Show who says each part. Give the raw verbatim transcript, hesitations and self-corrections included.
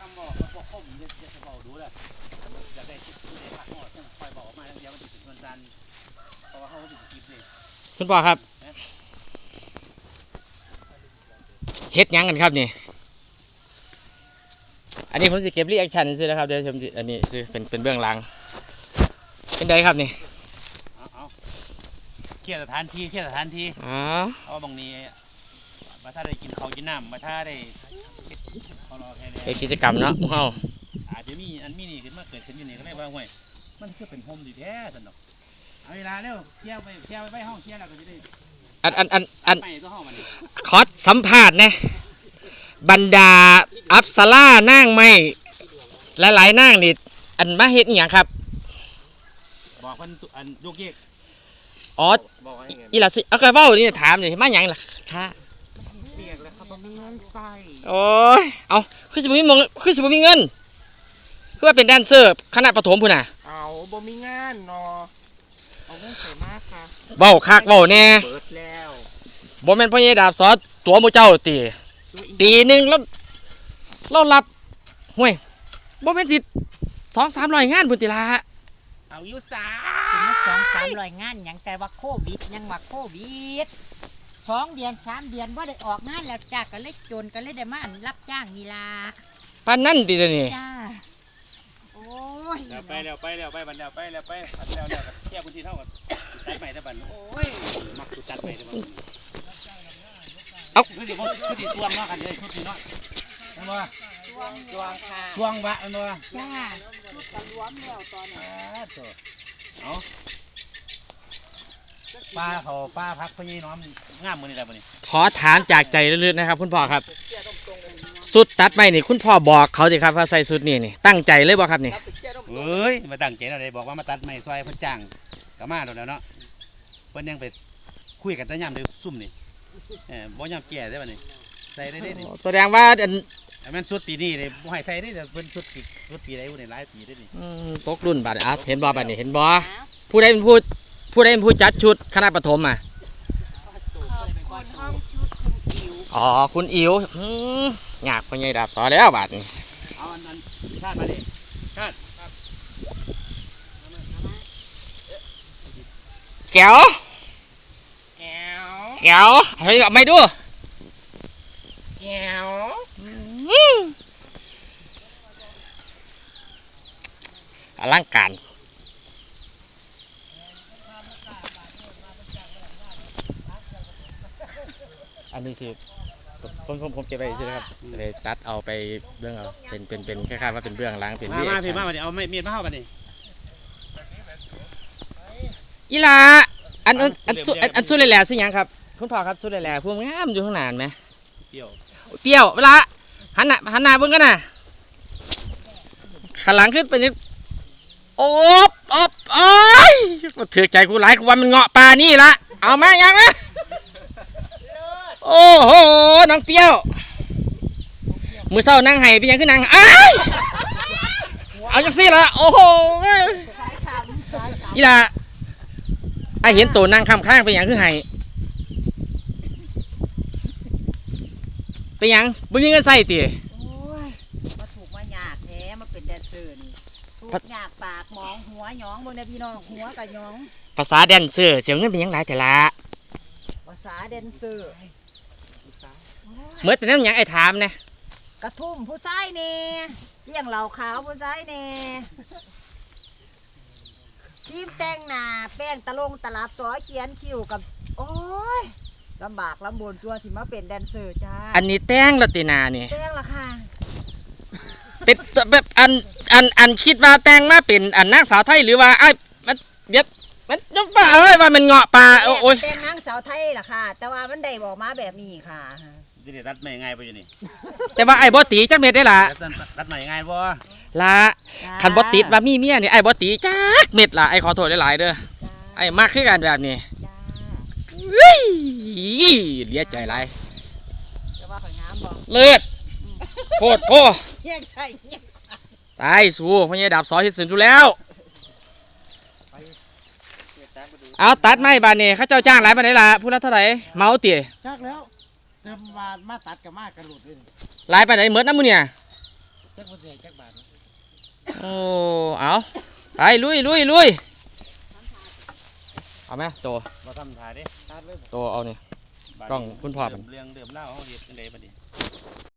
Speaker 1: ำบอกพวกคมจะจะบอกดูเลยอยากได้ที่ได้พักหอดคอยบอกมาแล้วเดี๋ยวมันติดส่วนซันเพราะว่าเขาติดกิฟต์นี่
Speaker 2: คุณพ่อครับเฮ็ดยังกันครับนี่อันนี้ผมสิเก็บรีแอคชั่นซื้อนะครับเดี๋ยวชมอันนี้ซื้อเป็นเป็นเบื้องหลังเป็นไดครับนี่
Speaker 1: เอาเคลียร์สถานที่เคลียร์สถานที่
Speaker 2: อ๋อ
Speaker 1: เอาบางนี้มาถ้าได้กินข้าวกินน้ำมาถ้าได้
Speaker 2: เป็นกิจกรรมเนาะเฮา
Speaker 1: อาจจะมีอันมีนี่ขึ้นมาเกิดขึ้นอยู่นี่ก็ได้ว่าห่วยมันคือเป็นโฮมดีแท้สนุกเอาเวลาเร็วเคลียร์ไปเคลียร์ไปห้องเคลียร์แล้วก็จะได้
Speaker 2: อันอันอันอัน
Speaker 1: ไปตัวห้องมัน
Speaker 2: ขอสัมภาษณ์นะบรรดาอัปสรานั่งไม่หลายๆนั่งนี่อันมาเฮ็ดอีหยังครับ
Speaker 1: บอกมันอันลูกเยก
Speaker 2: อ๋ออีหล่ะสิเอากระเป๋านี่ถามนี่มาหยังล่ะค่ะ
Speaker 3: เรียกแล้วครับบ่มีเงินใส่
Speaker 2: โอ้ยเอาคือสิบ่มีมงคือสิบ่มีเงินคือว่าเป็นแดนเซอร์คณะประถมพุ่นน่ะ
Speaker 3: เอาบ่มีงานเนาะเอาเงินใส่มากค่ะ
Speaker 2: เว้าคักเว้าแน่
Speaker 3: เบิดแล้ว
Speaker 2: บ่แม่นพ่อใหญ่ดาบซอสตัวหมู่เจ้าติปีนึงแล้วเรารับห่วยบ่แม่นสิสองสามร้อยงานพุ่นติล่ะ
Speaker 3: เอาอยู่ซา
Speaker 4: ถึงสองสามร้อยงานอย่างแต่ว่าโควิดยังว่าโควิดสองเดือนสามเดือนว่าได้ออกงานแล้วจ้าก็เลยจนก็เลยได้มารับจ้างนี่ล่ะ
Speaker 2: ปานนั้นติเดี๋ยวนี้
Speaker 4: จ้าโอ้ย
Speaker 1: แล้วไปแล้วไปแล้วไปบันแล้วไปแล้วไปอันแล้วแล้วแค่พื้นที่เท่ากับตัดใหม่ตะบันโอ้ยมักสุดตัดใหม่ตะบัน
Speaker 2: เอา
Speaker 1: คือสิคือสิช่วงเนาะกันเลยชุดนี้เนาะเห็นบ่
Speaker 4: ช่วงช่วงค่ะ
Speaker 1: ช่วงวะเห็นบ่
Speaker 4: จ้า
Speaker 3: จะรวมแล้วตอนนี้
Speaker 1: เอาป้าเขาป้าพักพญน้อมงามมือนี่แหละมือนี่
Speaker 2: ขอถามจากใจลึกๆนะครับคุณพ่อครับสุดตัดไม่นี่คุณพ่อบอกเขาสิครับว่าใส่สุดนี่นี่ตั้งใจเลยบ่ครับนี่
Speaker 1: เฮ้ยมาตั้งใจอะไรบอกว่ามาตัดไม้ซอยเพิ่นจ้างก็มาแล้วเนาะเพิ่นยังไปคุยกันแต่ย่ำเดี๋ยวซุ่มนี่เออบ่ย่ำแก่ได้ป่ะนี่ใส่ได้ได้นี่
Speaker 2: แสดงว่าอัน
Speaker 1: มันสุดปีนี้เลยบ่ให้ใส่ได้แต่เพิ่นสุดปีสุดปีไหนบ่ได้หลายปีได้นี่
Speaker 2: ตกรุ่นบาดอ่ะเห็นบ่บาดนี่เห็นบ่ผู้ใดเป็นผู้ผู้ใดเป็นผู้จัดชุดคณะประถมอ่ะอ๋อคุณอิ๋วอยากพ่อใหญ่ดาบสอแล้วบาดนี่
Speaker 1: เอาอันนั้นชาติมาดิชาติ
Speaker 2: แก้ว
Speaker 3: แก้ว
Speaker 2: แก้วเฮ้ยไม่ดู
Speaker 3: แก้ว
Speaker 2: อลังการอันนี้สิผมผมผมเก็บไปใช่ไหมครับเลยตัดเอาไปเบื้องเอาเป็นเป็นเป็นคล้ายๆว่าเป็นเบื้องล้างเป็น
Speaker 1: มามาพี่มาวันนี้เอาไม่มีดมาเข้าวันนี้
Speaker 2: อีลาอันอันอันสุดอันสุดเลยแหละสิยังครับคุณพ่อครับสุดเลยแหละพวกงามอยู่ข้างหน้าไหม
Speaker 1: เปรี้ยว
Speaker 2: เปรี้ยวเวลาหันหน้าหันหน้าเบื้องกันนะขันหลังขึ้นไปนี่โอ๊บโอ๊บโอ้ยถือใจกูหลายกูว่ามันเงาะปลานี่ละเอามายังนะโอ้โหน้องเปรี้ยวมือเศร้านั่งไห้เป็นยังขึ้นนั่งอ้ายเอาจังซี่ละโอ้โหอีล่ะไอเห็นตัวนั่งข้ามข้างเป็นยังขึ้นไห้เป็นยังบุญยังเงินใส่ตี
Speaker 4: มาถูกมายากแท้มาเป็นแดนเซอร์นี่ถูกยากปากมองหัวหยองบนพี่น้องหัวกับหยอง
Speaker 2: ภาษาแดนเซอร์เสียงเงินเป็นยังไงแต่ละ
Speaker 4: ภาษาแดนเซอร์
Speaker 2: เมื่อแต่นั้นยังไอ้ถามเนี่ย
Speaker 4: กระทุ่มผู้ชายเนี่ยเลี้ยงเหล่าขาวผู้ชายเนี่ยทีมแต่งหน้าแป้งตะลงตลับซอเขียนคิ้วกับโอ้ยลำบากลำบนจัวที่มาเป็นแดนเซอร์จ้า
Speaker 2: อันนี้แต่งละตินานี่
Speaker 4: แต่งละค่ะ
Speaker 2: เป็นแบบอันอันอันคิดว่าแต่งมาเป็นอันนางสาวไทยหรือว่าไอ้มันเดี๋ยวมันยกป่าเอ้ยว่ามันเงาะป่าโอ้ย
Speaker 4: แต่งนางสาวไทยล่ะค่ะแต่ว่ามันได้บอกมาแบบนี้ค่ะ
Speaker 1: ดิเดตัดไม่ง่ายไปอยู่นี่
Speaker 2: แต่ว่าไอ้บอตีจักเม็ดได้ล่ะ
Speaker 1: ตัดไม่ง่ายบ่
Speaker 2: ละคันบอติดว่ามีเมียนี่ไอ้บอตีจักเม็ดล่ะไอ้ขอโทษหลายๆเด้อไอ้มากขึ้นกันแบบนี้เฮ้ยเลี้ยใจไรเลือดโคตรโคตายสู้พ่อใหญ่ดาบสอเห็ดสินดูแล้วเอาตัดไม้บานนี่เขาเจ้าจ้างหลายบานไหนล่ะพูดแล้วเท่าไหร่เมาเตี๋ย
Speaker 3: จักแล้วเติมมามาตัดกับมากระหลุดเลย
Speaker 2: หลายบานไหนเหมือนน้ำมือเนี่ย
Speaker 3: จักบ่ได้จักบาท
Speaker 2: โอ้เอาไปลุยลุยลุยเอาไหมโต
Speaker 1: บ่ทำท่าเด้
Speaker 3: ตัดเลย
Speaker 2: โตเอานี่ กล้องคุณพ่อ
Speaker 1: เรื่องเรื่องเล่าเฮาเฮ็ดจังไดบัดนี้